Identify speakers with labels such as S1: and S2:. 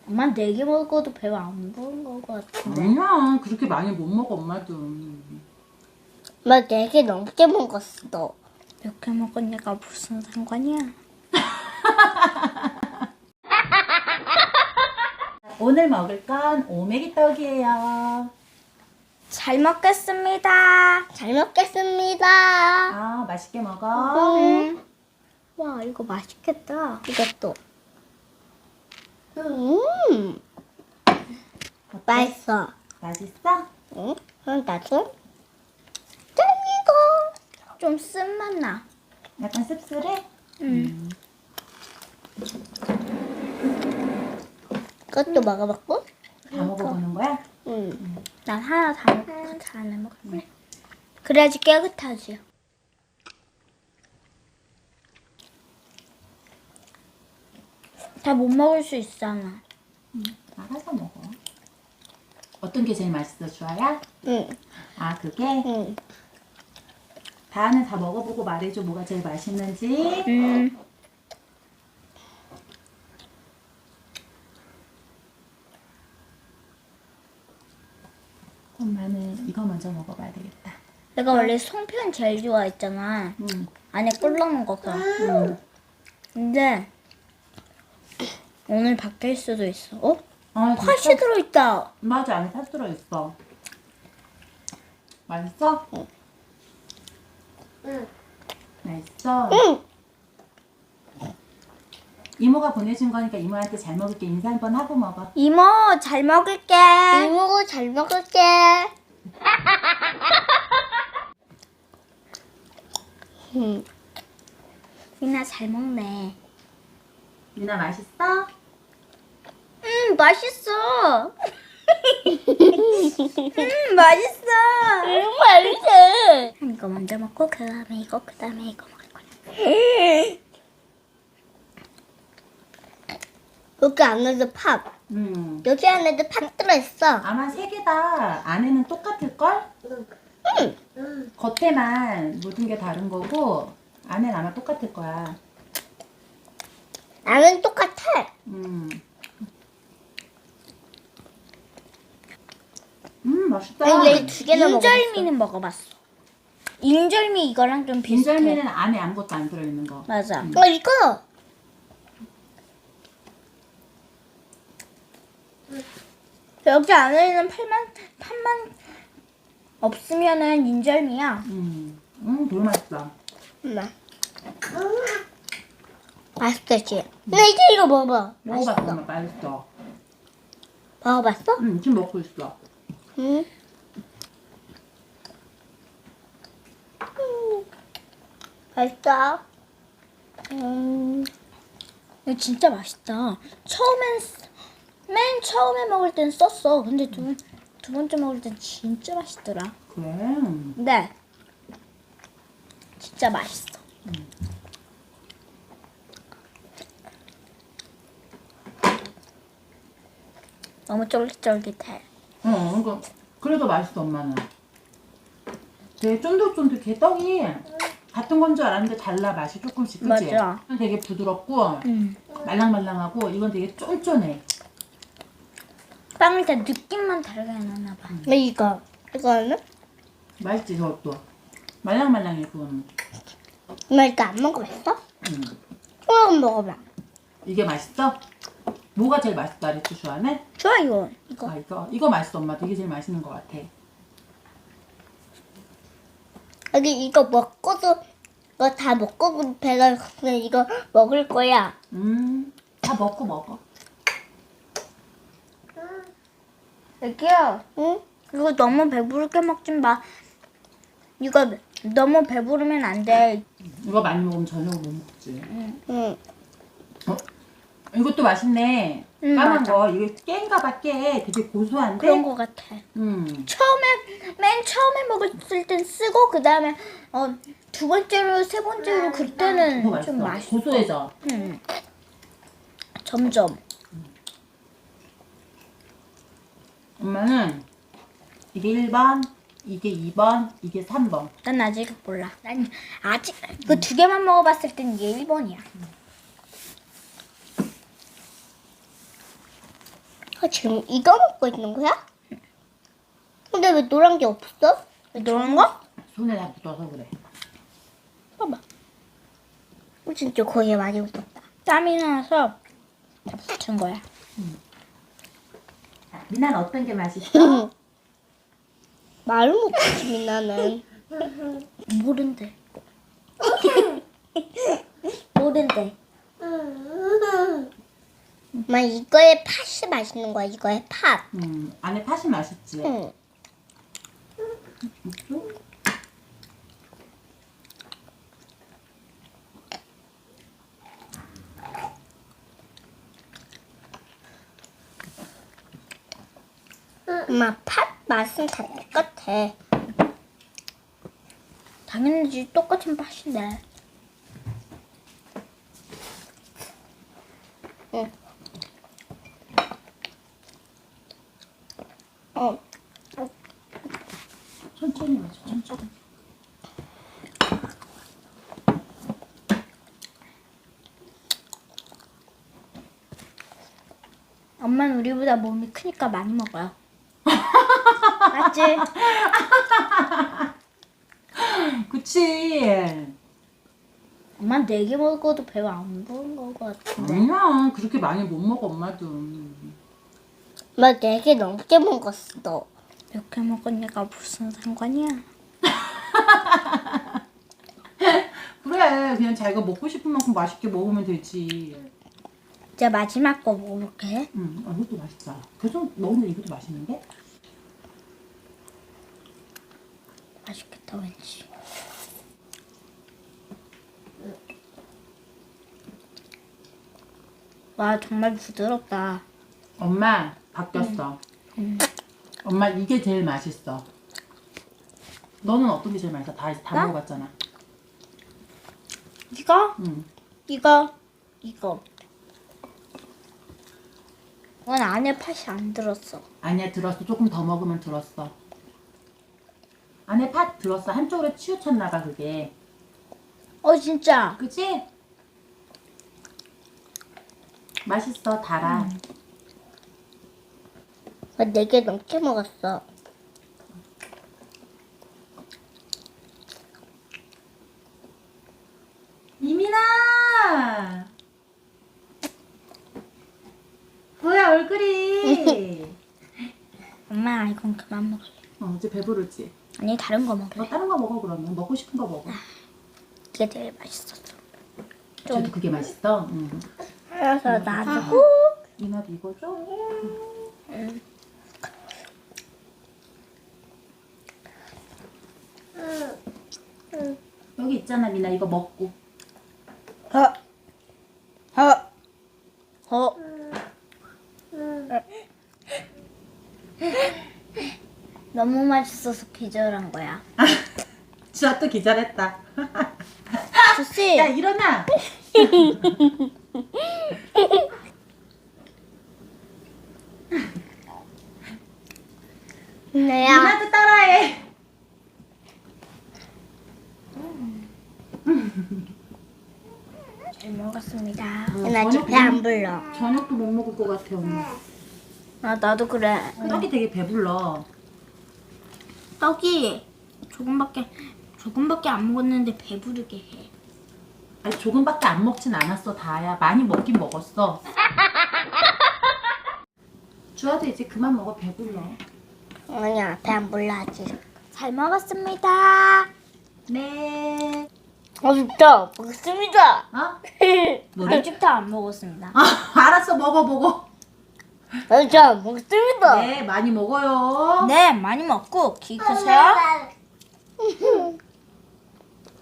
S1: 엄마 4개 먹어도 배가 안 부른 것 같은데.
S2: 아니야, 그렇게 많이 못 먹어, 엄마도.
S3: 엄마 4개 넘게 먹었어.
S1: 몇 개 먹었냐가 무슨 상관이야?
S2: 오늘 먹을 건 오메기 떡이에요.
S1: 잘 먹겠습니다.
S3: 잘 먹겠습니다.
S2: 아, 맛있게 먹어.
S1: 와, 이거 맛있겠다. 이것도.
S3: 맛있어.
S2: 맛있어?
S3: 응? 그럼 나도?
S1: 짠, 이거. 좀 쓴맛 나.
S2: 약간 씁쓸해?
S3: 그것도 먹어봤고?
S2: 다 먹어보는 거야?
S3: 응.
S1: 난 하나 다 먹고 다음에 먹을래. 그래야지 깨끗하지. 다 못 먹을 수 있잖아.
S2: 알아서 먹어. 어떤 게 제일 맛있어, 주아야?
S3: 응.
S2: 아, 그게?
S3: 응.
S2: 다는 다 먹어보고 말해줘, 뭐가 제일 맛있는지. 엄마는 이거 먼저 먹어봐야 되겠다.
S1: 내가 원래 송편 제일 좋아했잖아. 안에 꿀 넣는 거. 근데 오늘 바뀔 수도 있어. 어?
S2: 아,
S1: 팥이 들어있다.
S2: 맞아, 안에 팥 들어있어. 맛있어?
S3: 응.
S2: 맛있어?
S3: 응.
S2: 이모가 보내준 거니까 이모한테 잘 먹을게 인사 한번 하고 먹어.
S1: 이모 잘 먹을게.
S3: 이모가 잘 먹을게.
S1: 미나 잘 먹네.
S2: 미나 맛있어?
S1: 맛있어. 맛있어.
S3: 맛있어.
S1: 이거 먼저 먹고 그 다음에 이거 먹을 거야.
S3: 여기 안에도 팥. 여기 안에도 팥 들어있어.
S2: 아마 세 개 다 안에는 똑같을걸? 겉에만 모든 게 다른 거고 안에는 아마 똑같을 거야.
S3: 나는 똑같아.
S2: 맛있다.
S3: 아니, 얘 2개나 먹었어.
S1: 인절미는 먹어봤어. 인절미 이거랑 좀 비슷해.
S2: 인절미는 안에 아무것도 안 들어있는 거.
S1: 맞아.
S3: 이거.
S1: 여기 안에 있는 팥만 없으면은 인절미야.
S2: 되게 맛있다.
S3: 엄마. 맛있겠지? 근데 이제 이거 먹어봐.
S2: 먹어봤어, 엄마 맛있어.
S3: 먹어봤어?
S2: 지금 먹고 있어.
S3: 응. 맛있어.
S1: 이거 진짜 맛있다. 맨 처음에 먹을 땐 썼어. 근데 두 번째 먹을 땐 진짜 맛있더라.
S2: 그래.
S1: 네. 진짜 맛있어. 너무 쫄깃쫄깃해.
S2: 그래도 맛있어, 엄마는. 되게 쫀득쫀득해. 떡이 같은 건 줄 알았는데 달라, 맛이 조금씩. 그치?
S1: 맞아.
S2: 이건 되게 부드럽고 말랑말랑하고 이건 되게 쫀쫀해.
S1: 빵을 다 느낌만 다르게 해놨나 봐.
S3: 근데 이거는?
S2: 맛있지, 저것도. 말랑말랑해, 그거는.
S3: 엄마 이거 안 먹어봤어?
S2: 음.
S3: 조금 먹어봐.
S2: 이게 맛있어? 뭐가 제일 맛있다, 그랬지, 주아는?
S1: 좋아 이거.
S2: 아, 이거 맛있어, 엄마. 되게 제일 맛있는 것 같아.
S3: 여기 이거 먹고도 이거 다 먹고 배가 그냥 이거 먹을 거야.
S2: 다 먹어.
S1: 애기야.
S3: 응?
S1: 이거 너무 배부르게 먹지 마. 이거 너무 배부르면 안 돼.
S2: 이거 많이 먹으면 저녁을 못 먹지.
S3: 응.
S2: 이것도 맛있네. 까만
S1: 맞아.
S2: 거. 이게 깨인가 봐, 깨. 되게 고소한데?
S1: 그런 거 같아. 맨 처음에 먹었을 땐 쓰고 그 다음에 두 번째로 세 번째로 그때는
S2: 그거
S1: 좀
S2: 맛있어.
S1: 맛있어.
S2: 고소해져.
S1: 점점.
S2: 엄마는 이게 1번, 이게 2번, 이게 3번.
S1: 난 아직 몰라. 난 아직 그 두 개만 먹어봤을 땐 이게 1번이야.
S3: 지금 이거 먹고 있는 거야? 근데 왜 노란 게 없어?
S1: 왜 노란 거?
S2: 손에 다 묻어서 그래.
S1: 봐봐.
S3: 진짜 거기에 많이 묻었다.
S1: 땀이 나서 다 붙은 거야.
S2: 미나는 어떤 게 맛있어?
S3: 말을 못하지 민나는.
S1: 모른대. 모른대.
S3: 엄마 이거에 팥이 맛있는 거야. 이거에 팥.
S2: 안에 팥이 맛있지.
S3: 응. 엄마 팥 맛은 다 똑같아.
S1: 당연히 똑같은 팥인데.
S3: 응. 어.
S2: 천천히 마셔, 천천히.
S1: 엄마는 우리보다 몸이 크니까 많이 먹어요. 맞지?
S2: 그치?
S1: 엄마 4개 먹어도 배가 안 부른 것 같은데.
S2: 아니야, 그렇게 많이 못 먹어, 엄마도.
S3: 엄마 4개 넘게 먹었어.
S1: 몇 개 먹으니까 무슨 상관이야?
S2: 그래, 그냥 자기가 먹고 싶은 만큼 맛있게 먹으면 되지.
S1: 이제 마지막 거 먹어볼게.
S2: 이것도 맛있다. 계속 먹으면 이것도 맛있는데?
S1: 맛있겠다 왠지. 와 정말 부드럽다.
S2: 엄마, 바뀌었어. 엄마, 이게 제일 맛있어. 너는 어떤 게 제일 맛있어? 다
S1: 나?
S2: 먹어봤잖아.
S1: 이거?
S2: 응.
S1: 이거? 이건 안에 팥이 안 들었어.
S2: 아니야, 들었어. 조금 더 먹으면 들었어. 안에 팥 들었어. 한쪽으로 치우쳤나봐, 그게.
S1: 진짜.
S2: 그치? 맛있어, 달아.
S3: 엄마 4개 넘게 먹었어.
S2: 이민아! 뭐야, 얼굴이.
S1: 엄마 이건 그만 먹을래.
S2: 이제 배부르지?
S1: 아니 다른 거 먹을래.
S2: 너 다른 거 먹어, 그러면. 먹고 싶은 거 먹어.
S1: 이게 제일 맛있었어.
S2: 저도 그게 맛있어? 응.
S3: 그래서 나도.
S2: 이나도 이거 줘? 여기 있잖아, 미나. 이거 먹고.
S1: 너무 맛있어서 기절한 거야.
S2: 주아 또 기절했다.
S1: 주씨.
S2: 야, 일어나!
S3: 민나야.
S2: 미나도 따라해!
S1: 잘 먹었습니다.
S3: 나 지금 배 안 불러.
S2: 저녁도 못 먹을 것 같아, 언니.
S1: 나도 그래.
S2: 떡이 되게 배불러.
S1: 떡이 조금밖에 안 먹었는데 배부르게 해.
S2: 아니, 조금밖에 안 먹진 않았어, 다야. 많이 먹긴 먹었어. 주아도 이제 그만 먹어, 배불러.
S3: 아니야, 배 안 불러 아직.
S1: 잘 먹었습니다.
S2: 네.
S3: 진짜 먹습니다.
S2: 어?
S1: 아직도 안 먹었습니다.
S2: 알았어, 먹어.
S3: 진짜 먹습니다.
S2: 네, 많이 먹어요.
S1: 네, 많이 먹고 키 크세요.